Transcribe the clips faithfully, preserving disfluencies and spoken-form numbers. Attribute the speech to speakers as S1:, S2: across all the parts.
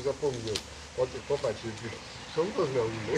S1: zapomniał. Popatrz, są rozmiał inny.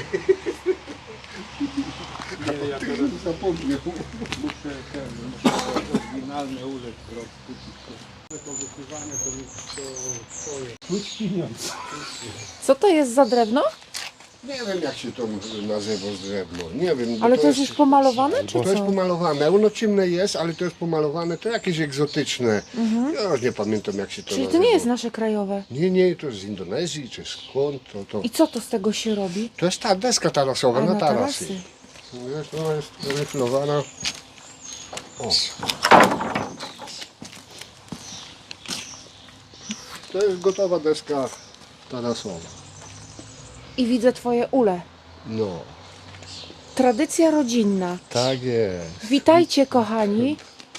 S2: Nie, ja teraz
S1: Zapomniał.
S2: muszę ten, muszę oryginalny ulec kupić. To wypływanie to jest to twoje. Czuć pieniądze.
S3: Co to jest za drewno?
S1: Nie wiem jak się to nazywa z drewno. Nie wiem.
S3: Ale to jest już pomalowane, czy
S1: To jest
S3: co?
S1: pomalowane. Ono ciemne jest, ale to jest pomalowane. To jakieś egzotyczne. Ja już nie pamiętam jak się to
S3: Czyli to
S1: nazywa.
S3: nie jest nasze krajowe.
S1: Nie, nie, to jest z Indonezji, czy skąd. To, to...
S3: I co to z tego się robi?
S1: to jest ta deska tarasowa
S3: A,
S1: na
S3: na
S1: tarasy.
S3: tarasy.
S1: Wiesz, ona jest ryflowana. O. To jest gotowa deska tarasowa.
S3: I widzę twoje ule.
S1: No,
S3: Tradycja rodzinna.
S1: tak jest.
S3: Witajcie kochani.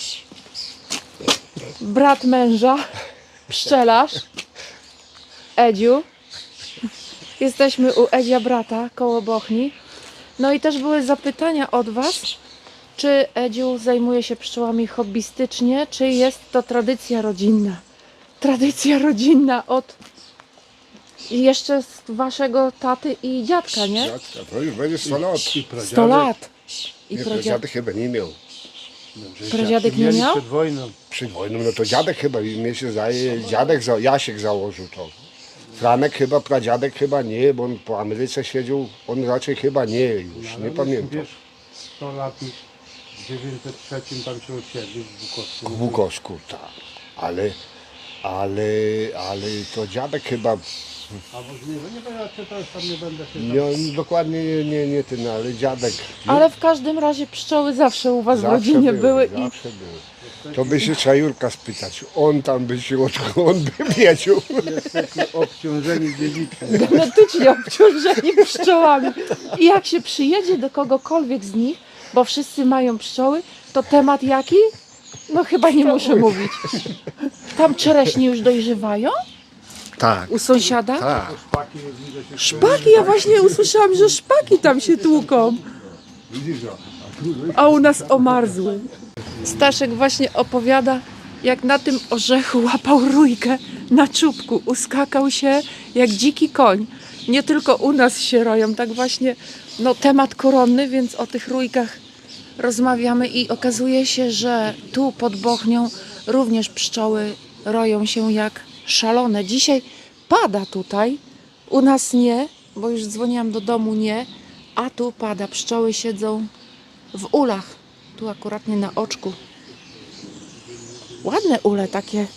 S3: Brat męża, pszczelarz, Edziu. Jesteśmy u Edzia brata koło Bochni. No i też były zapytania od was, czy Edziu zajmuje się pszczołami hobbystycznie, czy jest to tradycja rodzinna. Tradycja rodzinna od jeszcze z waszego taty i dziadka, nie?
S1: Dziadka, to już będzie sto lat.
S3: sto lat. I
S1: Nie,
S3: pradziadek.
S1: dziadek chyba nie miał.
S3: Pradziadek nie miał?
S2: Przed wojną.
S1: Przed wojną, no to dziadek chyba, mnie się zdaje, dziadek, za, Jasiek założył to. Franek chyba, pradziadek chyba nie, bo on po Ameryce siedział, on raczej chyba nie już, nie pamiętam.
S2: Wiesz, sto lat w tysiąc dziewięćset trzecim tam się osiedlił w Bukowsku.
S1: W Bukowsku, tak. Ale, ale, ale to dziadek chyba,
S2: Albo z niego, nie wiem, czy to już tam nie będę się
S1: nie, dokładnie nie, nie, nie ten, ale dziadek.
S3: Ale w każdym razie pszczoły zawsze u was w
S1: Zawsze
S3: rodzinie były, i
S1: zawsze były. To by się trzeba Jurka spytać, on tam by się, on by wiedział.
S2: jesteśmy obciążeni dziedzicznie.
S3: genetycznie obciążeni pszczołami. I jak się przyjedzie do kogokolwiek z nich, bo wszyscy mają pszczoły, to temat jaki? No chyba nie muszę mówić. Tam czereśnie już dojrzewają?
S1: Tak,
S3: U sąsiada?
S1: tak.
S2: Szpaki jest, widzę się
S3: Szpaki, ja właśnie usłyszałam, że szpaki tam się tłuką.
S1: Widzisz,
S3: A u nas omarzły. Staszek właśnie opowiada, jak na tym orzechu łapał rójkę na czubku. Uskakał się jak dziki koń. Nie tylko u nas się roją, tak właśnie no, temat koronny, więc o tych rójkach rozmawiamy i okazuje się, że tu pod Bochnią również pszczoły roją się jak szalone. Dzisiaj pada tutaj, u nas nie, bo już dzwoniłam do domu, nie, a tu pada. Pszczoły siedzą w ulach, tu akurat nie na oczku. Ładne ule takie.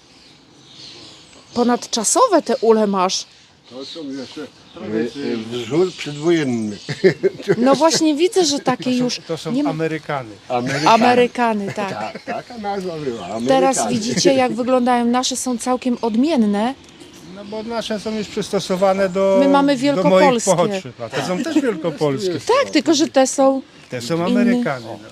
S3: Ponadczasowe te ule masz.
S1: To są jeszcze e, e, wzór przedwojenny.
S3: No właśnie widzę, że takie już
S2: To są
S3: nie ma...
S2: Amerykany.
S3: Amerykany, tak.
S1: Tak, taka nazwa była.
S3: Teraz
S1: Amerykanie.
S3: widzicie, jak wyglądają. Nasze są całkiem odmienne.
S2: No bo nasze są już przystosowane do,
S3: My mamy
S2: do moich
S3: wielkopolskie.
S2: pochodszy. A te są też wielkopolskie.
S3: Tak, tylko że te są...
S2: Te są Amerykany. No.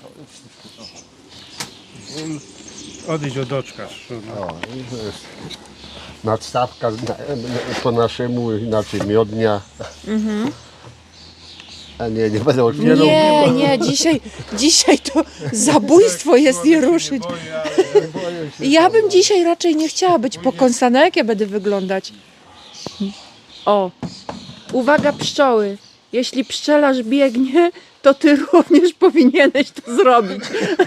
S2: Odejdź od oczka. No.
S1: O, i to jest nadstawka na, na, po naszemu, inaczej miodnia. A nie, nie będę otwierał.
S3: Nie, nie, dzisiaj, dzisiaj to zabójstwo jest je ruszyć. Ja bym dzisiaj raczej nie chciała być pokąsana. Jak ja będę wyglądać? O, uwaga pszczoły. Jeśli pszczelarz biegnie, to ty również powinieneś to zrobić.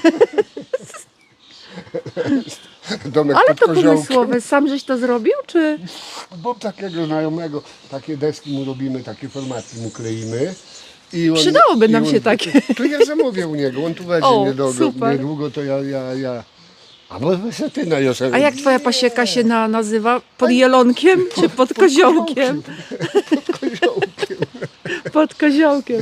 S1: Domek
S3: Ale
S1: pod
S3: to
S1: koziołkiem.
S3: pomysłowe. Sam żeś to zrobił, czy?
S1: Bo takiego znajomego, takie deski mu robimy, takie formaty mu kleimy. I on,
S3: Przydałoby
S1: i
S3: nam
S1: on,
S3: się takie.
S1: To ja zamówię u niego, on tu będzie
S3: O,
S1: niedługo,
S3: super.
S1: niedługo, to ja, ja, ja. A może ty na
S3: A jak twoja pasieka się na, nazywa? Pod jelonkiem czy pod koziołkiem?
S1: Pod koziołkiem.
S3: Pod koziołkiem.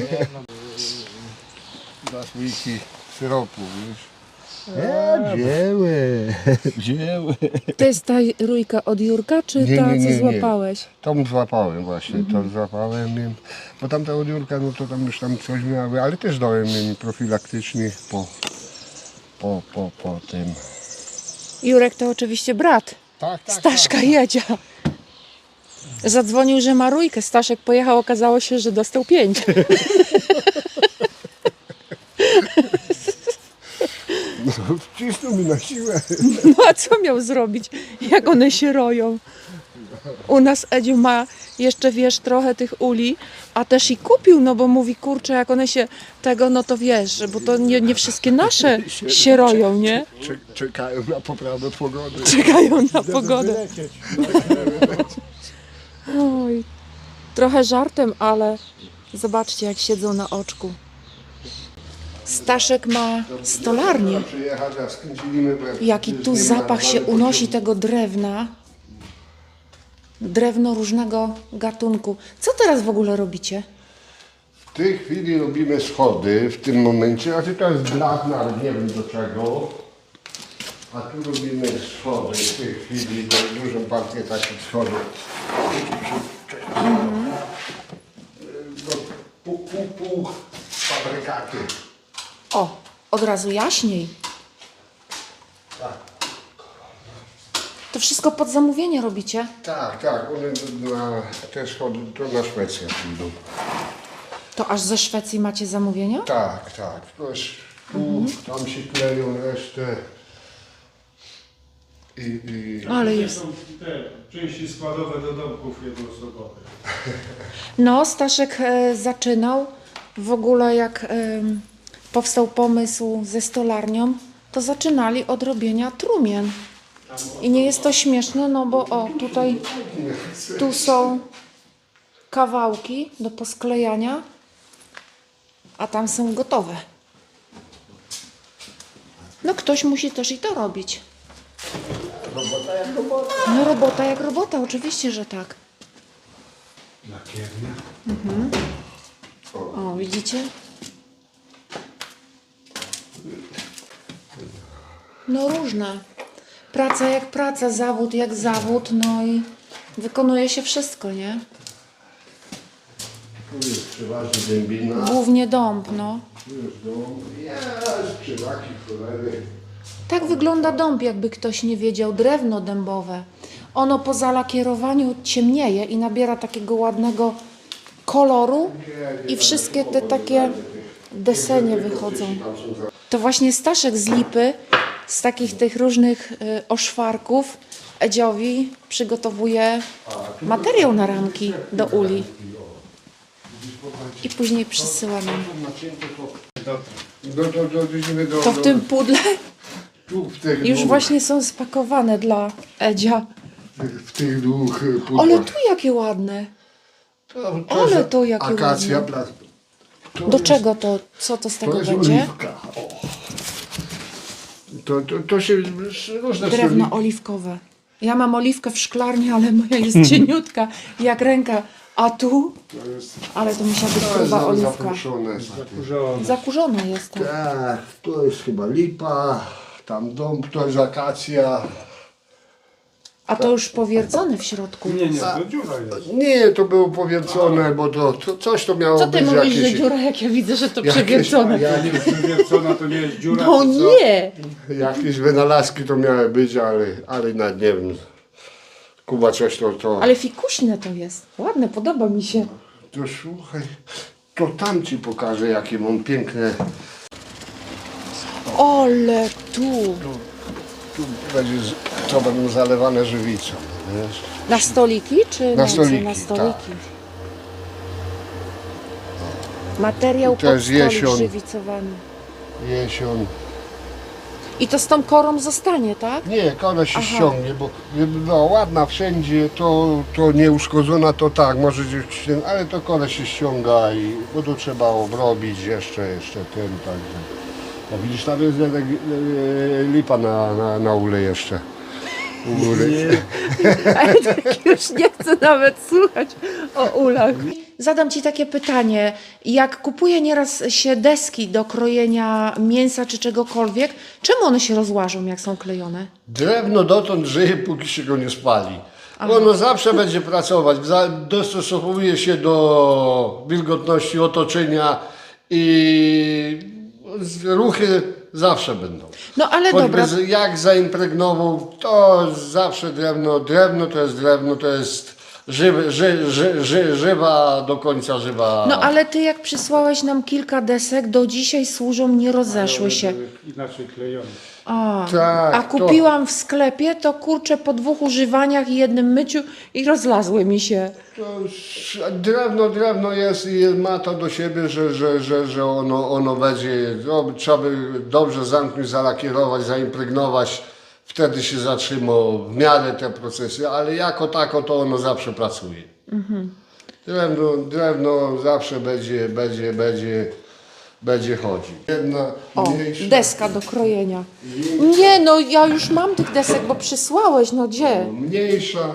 S1: Dwa słoiki syropu, wiesz. E, wzięły, wzięły.
S3: To jest ta rójka od Jurka, czy
S1: Nie,
S3: ta,
S1: nie, nie,
S3: co
S1: nie.
S3: złapałeś?
S1: Tą złapałem właśnie,
S3: Mhm.
S1: to złapałem im. Bo tamta odjórka, no to tam już tam coś miały, ale też dałem im profilaktycznie po, po, po, po tym.
S3: Jurek to oczywiście brat
S1: Tak, tak,
S3: Staszka
S1: tak.
S3: Jedzia. Zadzwonił, że ma rójkę. Staszek pojechał, okazało się, że dostał pięć.
S1: No, wcisnął mi na siłę.
S3: No a co miał zrobić, jak one się roją? U nas Edziu ma jeszcze, wiesz, trochę tych uli, a też i kupił, no bo mówi, kurczę, jak one się tego, no to wiesz, bo to nie, nie wszystkie nasze się roją, nie?
S1: Czek- Czekają na poprawę pogody.
S3: Czekają na pogodę. Oj, trochę żartem, ale zobaczcie, jak siedzą na oczku. Staszek ma stolarnię.
S1: Przyjechać, a skręciliśmy, bo jak
S3: Jaki tu
S1: z nim
S3: zapach się
S1: narażamy
S3: unosi
S1: pociąg.
S3: tego drewna. Drewno różnego gatunku. Co teraz w ogóle robicie?
S1: W tej chwili robimy schody w tym momencie, a to jest blachna, ale nie wiem do czego. A tu robimy schody w tej chwili, do dużą partię takich schodów. Do pół, pół, pół fabrykaty.
S3: O, od razu jaśniej.
S1: Tak,
S3: To wszystko pod zamówienie robicie?
S1: tak, tak. One na te schody to na Szwecję pójdą.
S3: To aż ze Szwecji macie zamówienia?
S1: Tak, tak. To jest tu, tam się kleją resztę. I, i...
S3: Ale
S2: To
S3: jest.
S2: są te części składowe do domków jednoosobowych.
S3: No, Staszek e, zaczynał. W ogóle jak em, powstał pomysł ze stolarnią, to zaczynali od robienia trumien. I nie jest to śmieszne, no bo o, tutaj tu są kawałki do posklejania, a tam są gotowe. No ktoś musi też i to robić.
S1: Robota jak robota.
S3: No robota jak robota, oczywiście, że tak.
S1: Lakiernia.
S3: O, widzicie? No różne. Praca jak praca, zawód jak zawód, no i wykonuje się wszystko, nie?
S1: Tu jest przeważnie dębina.
S3: Głównie dąb, no.
S1: Tu jest dom. Jest przywaki, cholery.
S3: Tak wygląda dąb, jakby ktoś nie wiedział, drewno dębowe. Ono po zalakierowaniu ciemnieje i nabiera takiego ładnego koloru i wszystkie te takie desenie wychodzą. To właśnie Staszek z lipy, z takich tych różnych y, oszwarków Edziowi przygotowuje materiał na ramki do uli. I później przysyła nam.
S1: Do, do, do, do, do,
S3: To w tym pudle
S1: tu, w tych
S3: już
S1: dwóch,
S3: właśnie są spakowane dla Edzia.
S1: w tych dwóch pudłach.
S3: Ale tu jakie ładne.
S1: To,
S3: ale
S1: jest
S3: to jakie
S1: akacja,
S3: ładne.
S1: bla- to
S3: Do
S1: jest-
S3: czego to? Co to z
S1: To
S3: tego
S1: jest
S3: będzie?
S1: oliwka. O. To, to, to się różne
S3: Drewno
S1: soli-
S3: oliwkowe. Ja mam oliwkę w szklarni, ale moja jest cieniutka, jak ręka. A tu?
S1: To jest,
S3: Ale to musiała być
S1: to jest
S3: gruba
S1: za-
S3: oliwka.
S1: zapuszczone.
S2: Zakurzone.
S3: Zakurzona jest to.
S1: Tak, to jest chyba lipa, tam dąb, to jest akacja.
S3: A to już powiercone w środku.
S2: Nie, nie, to dziura jest.
S1: Nie, to było powiercone, bo to, to coś to miało
S3: Co ty
S1: być
S3: mówisz,
S1: jakieś...
S3: że dziura, jak ja widzę, że to
S1: jakieś-
S3: przewiercone?
S1: jak-
S2: Nie jest wywiercona, to nie jest dziura.
S3: No
S2: to co?
S3: nie!
S1: Jakieś wynalazki to miały być, ale, ale nawet nie wiem. Kuba coś to... to...
S3: Ale fikuśne to jest. Ładne, podoba mi się.
S1: To słuchaj, to tam ci pokażę, jakie mam piękne...
S3: Ole tu!
S1: Tu będzie, z- to będą zalewane żywicą, wiesz?
S3: Na stoliki czy
S1: Na
S3: co?
S1: stoliki,
S3: Na
S1: tak.
S3: stoliki. Materiał
S1: To jest
S3: pod stolik
S1: jesion.
S3: żywicowany.
S1: Jesion.
S3: I to z tą korą zostanie, tak?
S1: Nie, kora się
S3: Aha.
S1: ściągnie, bo żeby była ładna wszędzie, to, to nieuszkodzona, to tak, może gdzieś się, ale to kora się ściąga i bo to trzeba obrobić jeszcze, jeszcze ten, także. No widzisz, tam jest e, e, lipa na, na, na ule jeszcze. U góry.
S3: Ale tak już nie chcę nawet słuchać o ulach. Zadam Ci takie pytanie. Jak kupuję nieraz się deski do krojenia mięsa czy czegokolwiek, czemu one się rozłażą, jak są klejone?
S1: Drewno dotąd żyje, póki się go nie spali. Ono zawsze będzie pracować, za- dostosowuje się do wilgotności otoczenia i z- ruchy zawsze będą.
S3: No ale
S1: Choćby
S3: dobra,
S1: z- jak zaimpregnował, to zawsze drewno, drewno to jest drewno, to jest żywy, ży, ży, ży, żywa, do końca żywa.
S3: no ale Ty jak przysłałeś nam kilka desek, do dzisiaj służą, nie rozeszły się.
S2: Inaczej klejone.
S3: A,
S1: Tak,
S3: a
S1: to-
S3: kupiłam w sklepie, to kurczę po dwóch używaniach i jednym myciu i rozlazły mi się.
S1: To już drewno, drewno jest i ma to do siebie, że, że, że, że ono, ono będzie, no, trzeba by dobrze zamknąć, zalakierować, zaimpregnować, wtedy się zatrzyma w miarę te procesy, ale jako tako to ono zawsze pracuje. Drewno, drewno zawsze będzie, będzie, będzie, będzie chodzić. Jedna
S3: O,
S1: mniejsza,
S3: deska do krojenia. Nie, no ja już mam tych desek, bo przysłałeś, no gdzie?
S1: mniejsza.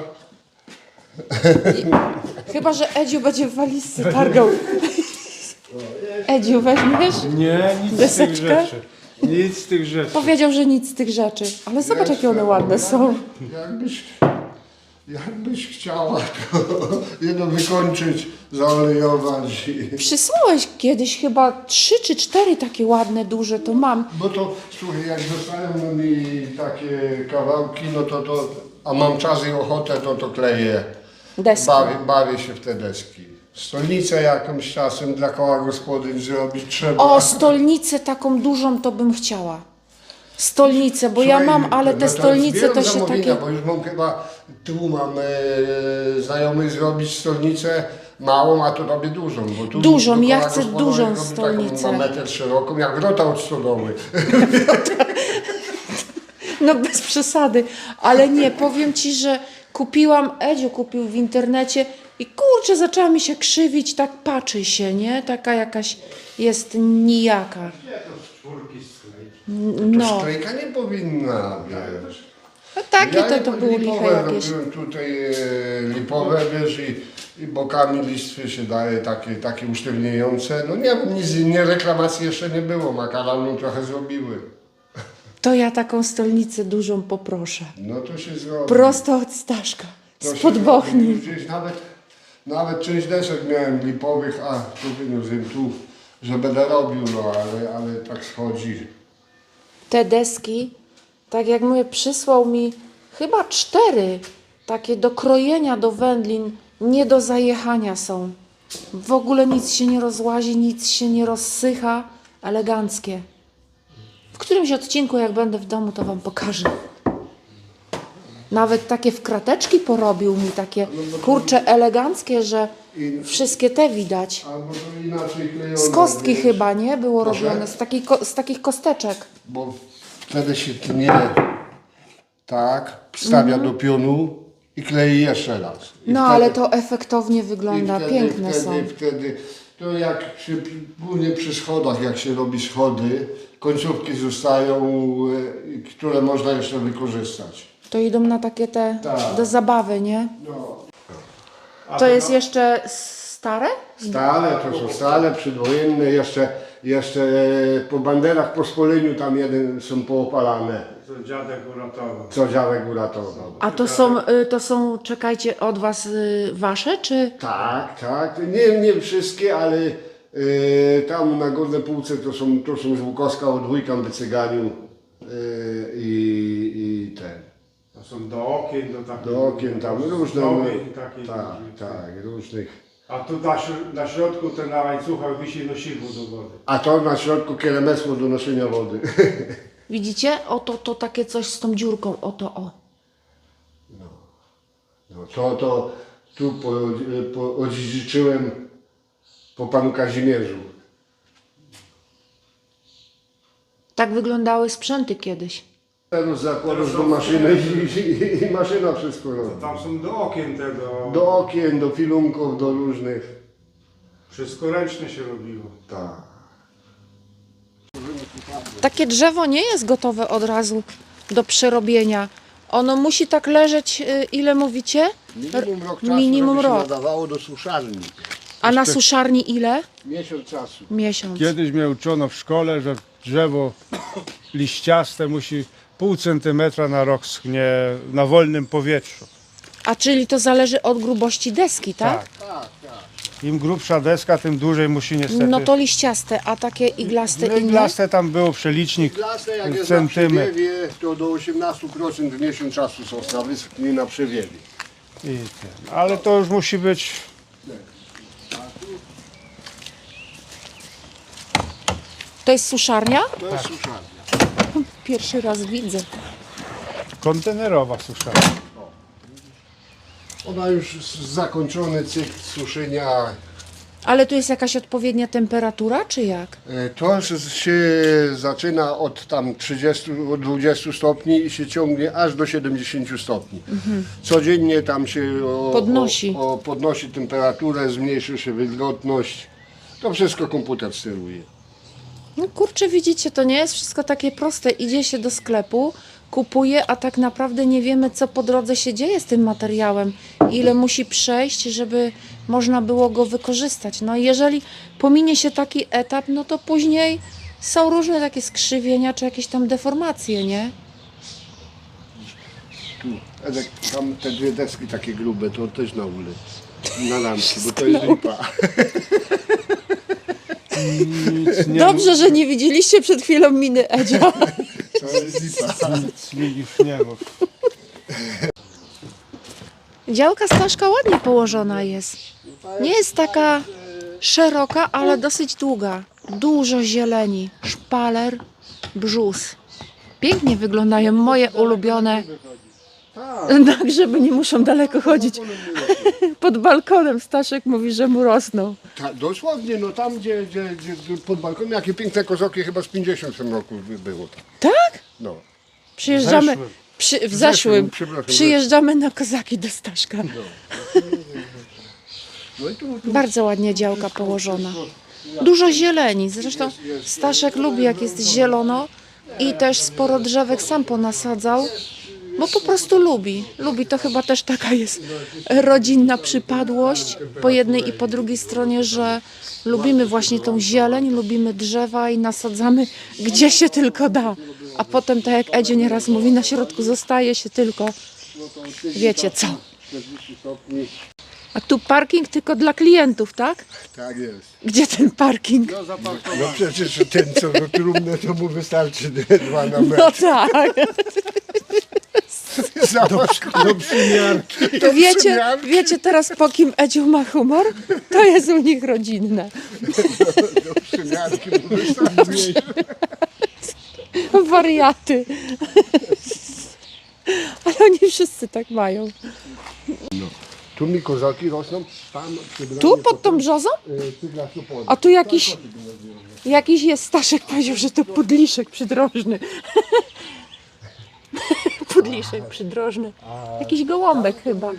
S3: Chyba, że Edziu będzie w walizce targał. Edziu, weźmiesz?
S2: Nie, nic z
S3: Deseczkę?
S2: tych rzeczy. Nic z tych rzeczy.
S3: Powiedział, że nic z tych rzeczy. Ale zobacz, jakie one ładne są.
S1: Jakbyś, jakbyś chciała to jedno wykończyć, zaolejować. I,
S3: Przysłałeś kiedyś chyba trzy czy cztery takie ładne, duże, to mam.
S1: bo to, słuchaj, jak dostają mi takie kawałki, no to, to a mam czas i ochotę, to to kleję.
S3: Deski.
S1: Bawię, bawię się w te deski. Stolnicę jakąś czasem dla koła gospodyń zrobić trzeba.
S3: O, stolnicę taką dużą to bym chciała. Stolnicę, bo ja
S1: Słuchaj,
S3: mam, ale
S1: no
S3: te stolnice
S1: zbieram
S3: to się
S1: zamówienia,
S3: takie...
S1: bo już mam chyba, tu mam e, znajomych zrobić stolnicę małą, a to robię dużą. Bo tu
S3: Dużą,
S1: do
S3: ja
S1: koła
S3: chcę
S1: gospodyń
S3: dużą
S1: robię
S3: stolnicę.
S1: Taką na metr szeroką, jak wrota od stodoły.
S3: No bez przesady, ale nie, powiem Ci, że kupiłam, Edziu kupił w internecie i kurczę, zaczęła mi się krzywić, tak patrzy się, nie? Taka jakaś jest nijaka. No,
S1: Szklejka nie powinna, wiesz.
S3: no takie
S1: Ja
S3: to,
S1: nie-
S3: to były liche
S1: lipowe
S3: jakieś.
S1: robiłem tutaj e, lipowe, wiesz, i, i bokami listwy się daje takie, takie usztywniające. No nie, nic, nie reklamacji jeszcze nie było, makaronu trochę zrobiły.
S3: To ja taką stolnicę dużą poproszę.
S1: No to się zrobi.
S3: Prosto od Staszka,
S1: To się
S3: spod Bochni.
S1: robi. Gdzieś nawet, nawet część desek miałem lipowych, a tu wyniósłem tu, że będę robił, no ale, ale tak schodzi.
S3: Te deski, tak jak mówię, przysłał mi chyba cztery takie do krojenia do wędlin, nie do zajechania są. W ogóle nic się nie rozłazi, nic się nie rozsycha, eleganckie. W którymś odcinku, jak będę w domu, to Wam pokażę. Nawet takie w krateczki porobił mi, takie kurcze eleganckie, że wszystkie te widać.
S1: Albo to inaczej klejone.
S3: Z kostki
S1: wiesz,
S3: chyba, nie? Było
S1: Proszę?
S3: robione, z, takiej, ko- z takich kosteczek.
S1: Bo wtedy się tnie, tak, wstawia do pionu i klei jeszcze raz. I
S3: No
S1: wtedy-
S3: ale to efektownie
S1: i
S3: wygląda,
S1: wtedy,
S3: piękne
S1: wtedy,
S3: są.
S1: Wtedy, to jak przy, głównie przy schodach, jak się robi schody, końcówki zostają, e, które można jeszcze wykorzystać.
S3: To idą na takie te
S1: Tak.
S3: do zabawy, nie?
S1: No.
S3: To jest jeszcze stare?
S1: Stale, to są stale, przedwojenne, jeszcze, jeszcze e, po banderach, po spoleniu tam jeden są poopalane,
S2: Co dziadek uratował.
S1: co dziadek uratował.
S3: A to są, y, to są, czekajcie, od was y, wasze, czy?
S1: Tak, tak, nie, nie wszystkie, ale e, tam na górnej półce to są, to są z Łukowska od wujka w Cyganiu e, i, i ten.
S2: To są do okien, do takich...
S1: Do okien tam różne,
S2: zdobień takich.
S1: tak, tak, różnych.
S2: A tu na, śr- na środku ten na łańcuchach wisi nosidło do wody.
S1: A to na środku kieremesło do noszenia wody.
S3: Widzicie? Oto to takie coś z tą dziurką, oto o.
S1: No to, to tu po, po, odziedziczyłem po panu Kazimierzu.
S3: Tak wyglądały sprzęty kiedyś.
S1: Teraz zakładasz do maszyny i, i, i maszyna wszystko robi.
S2: Tam są do okien te, do...
S1: Do okien, do filunków, do różnych.
S2: Wszystko ręcznie się robiło.
S1: Tak.
S3: Takie drzewo nie jest gotowe od razu do przerobienia. Ono musi tak leżeć, y, ile mówicie?
S1: Minimum rok czasu,
S3: Minimum
S1: żeby się
S3: rok.
S1: nadawało do suszarni.
S3: A na suszarni ile?
S1: Miesiąc czasu.
S3: Miesiąc.
S2: Kiedyś mnie uczono w szkole, że drzewo liściaste musi pół centymetra na rok schnie na wolnym powietrzu.
S3: A czyli to zależy od grubości deski, tak?
S1: Tak, tak.
S2: Im grubsza deska, tym dłużej musi niestety...
S3: No to liściaste, a takie iglaste inne?
S2: Iglaste tam było przelicznik
S1: Lasy, jak jest na
S2: centymetr.
S1: przewiewie, to do osiemnastu procent w miesiąc czasu są wyschnie na przewiewie.
S2: I ten. Ale to już musi być...
S3: To jest suszarnia?
S1: To jest suszarnia.
S3: pierwszy raz widzę.
S2: Kontenerowa suszarka.
S1: Ona już z- zakończony cykl suszenia.
S3: Ale tu jest jakaś odpowiednia temperatura, czy jak?
S1: E, To s- się zaczyna od tam trzydziestu, od dwudziestu stopni i się ciągnie aż do siedemdziesięciu stopni. Codziennie tam się o,
S3: Podnosi.
S1: O, o, podnosi temperaturę, zmniejszy się wilgotność. To wszystko komputer steruje.
S3: No kurczę, widzicie, to nie jest wszystko takie proste. Idzie się do sklepu, kupuje, a tak naprawdę nie wiemy, co po drodze się dzieje z tym materiałem. Ile musi przejść, żeby można było go wykorzystać. No i jeżeli pominie się taki etap, no to później są różne takie skrzywienia, czy jakieś tam deformacje, nie?
S1: Tu, Edek, tam te dwie deski takie grube, to też na ule. Na lampki, bo to jest lipa.
S2: Nic nie,
S3: Dobrze, że nie widzieliście przed chwilą miny Edzia.
S1: To jest lipa.
S2: nic mi już nie mów.
S3: Działka Staszka ładnie położona jest. Nie jest taka szeroka, ale dosyć długa. Dużo zieleni, szpaler, brzus. Pięknie wyglądają moje ulubione. Na grzyby nie muszą daleko chodzić. Pod balkonem Staszek mówi, że mu rosną.
S1: Ta, dosłownie, no tam gdzie, gdzie, gdzie pod balkonem, jakie piękne kozoki, chyba z pięćdziesiąt w tym roku by- było.
S3: Tak?
S1: No.
S3: Przyjeżdżamy
S2: Zeszłym.
S3: przy, w
S1: zeszłym,
S3: zeszłym.
S1: przepraszam,
S3: Przyjeżdżamy na kozaki do Staszka.
S1: No i tu, tu
S3: Bardzo ładnie działka położona. Dużo zieleni. Zresztą Staszek lubi, jak jest zielono i też sporo drzewek sam ponasadzał, bo po prostu lubi. Lubi, to chyba też taka jest rodzinna przypadłość po jednej i po drugiej stronie, że lubimy właśnie tą zieleń, lubimy drzewa i nasadzamy gdzie się tylko da. A potem, tak jak Edzio nieraz mówi, na środku zostaje się tylko, wiecie co.
S1: czterdzieści stopni.
S3: A tu parking tylko dla klientów, tak?
S1: Tak jest.
S3: Gdzie ten parking?
S1: No przecież ten, co do trumny, to mu wystarczy dwa na metr.
S3: No tak.
S1: Zobacz, do przymiarki. Do
S3: Wiecie,
S1: przymiarki.
S3: wiecie teraz, po kim Edziu ma humor? To jest u nich rodzinne.
S1: Do przymiarki mu wystarczy.
S3: Wariaty. Ale oni wszyscy tak mają.
S1: Tu mi kozaki rosną, tam przybranie
S3: Tu pod tą
S1: potem,
S3: brzozą?
S1: y, cygla tu pod.
S3: A tu jakiś, jakiś jest, Staszek powiedział, że to pudliszek przydrożny. Pudliszek przydrożny. Jakiś gołąbek chyba.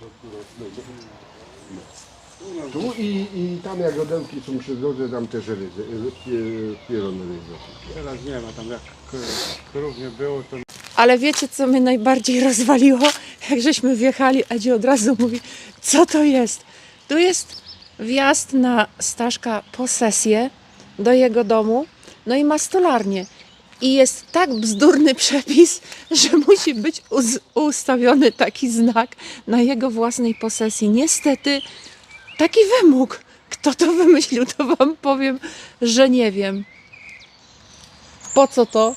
S1: Tu i, i tam jak rodełki są przy drodze, tam też ryzy, pierony ryzy.
S2: Teraz nie ma tam jak k- krów nie było, to
S3: Ale wiecie, co mnie najbardziej rozwaliło? Jak żeśmy wjechali, Edzio od razu mówi, co to jest? Tu jest wjazd na Staszka posesję do jego domu, no i ma stolarnię. I jest tak bzdurny przepis, że musi być uz- ustawiony taki znak na jego własnej posesji. Niestety taki wymóg. Kto to wymyślił, to wam powiem, że nie wiem. Po co to?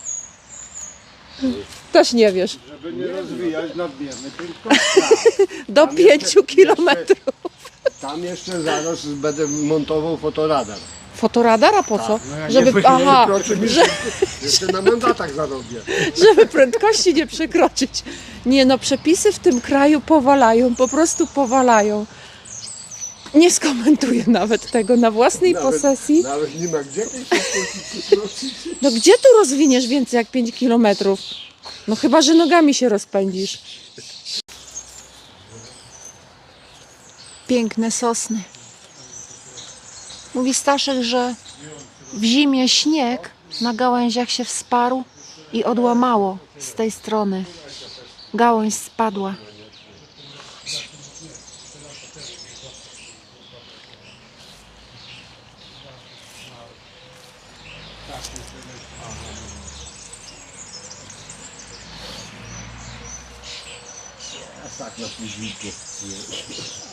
S3: Też nie wiesz.
S2: żeby nie rozwijać nadmiernej prędkości.
S3: Do
S1: Tam
S3: pięciu
S1: jeszcze-
S3: kilometrów.
S1: Tam jeszcze zaraz będę montował fotoradar.
S3: Fotoradara po co?
S2: no ja nie
S3: Żeby,
S2: powiedziałem,
S3: aha,
S1: Przekroczy mi-
S3: że,
S1: Jeszcze na mandatach zarobię.
S3: żeby prędkości nie przekroczyć. Nie no, przepisy w tym kraju powalają, po prostu powalają. Nie skomentuję nawet tego na własnej
S1: Nawet-
S3: posesji.
S1: Nawet nie ma gdzie tej szybkości przekroczyć.
S3: No gdzie tu rozwiniesz więcej jak pięć kilometrów? No chyba, że nogami się rozpędzisz. Piękne sosny. Mówi Staszek, że w zimie śnieg na gałęziach się wsparł i odłamało z tej strony. Gałąź spadła.
S1: A tak na późniku.